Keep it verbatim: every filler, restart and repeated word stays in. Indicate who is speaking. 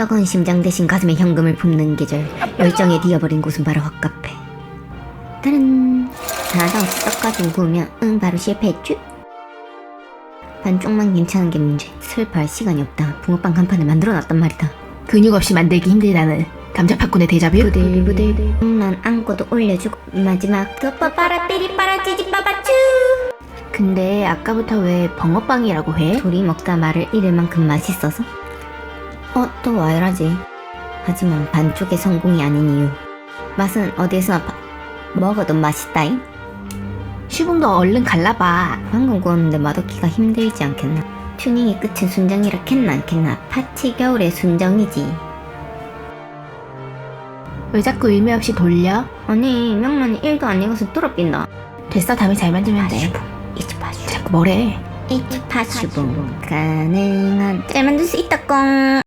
Speaker 1: 뜨거운 심장 대신 가슴에 현금을 붓는 계절. 열정에 뒤어버린 곳은 바로 헛카페. 다른 하나도 없이 섞어가지고 구우면 응 바로 실패했쥬? 반쪽만 괜찮은 게 문제. 슬퍼할 시간이 없다. 붕어빵 간판을 만들어놨단 말이다.
Speaker 2: 근육 없이 만들기 힘들다는 감자 팝콘의 데자뷰?
Speaker 1: 부들부들 난 안고도 올려주고 마지막 덮어 빠라 삐리 빠라 찌지 빠바쭈.
Speaker 2: 근데 아까부터 왜 벙어빵이라고 해?
Speaker 1: 둘이 먹다 말을 잃을 만큼 맛있어서? 어, 또 와이라지. 하지만 반쪽의 성공이 아닌 이유. 맛은 어디에서나 바... 먹어도 맛있다잉?
Speaker 2: 슈붕도 얼른 갈라봐.
Speaker 1: 방금 구웠는데 맛없기가 힘들지 않겠나? 튜닝의 끝은 순정이라 캔나 않겠나? 파치 겨울의 순정이지.
Speaker 2: 왜 자꾸 의미 없이 돌려?
Speaker 1: 아니 명란이 일도 안 익어서 뚫어빈다.
Speaker 2: 됐어, 다음에 잘 만들면 돼.
Speaker 1: 이치 파슈
Speaker 2: 자꾸 뭐래?
Speaker 1: 이치 파슈봉 가능한 잘 만들 수 있다 꽁.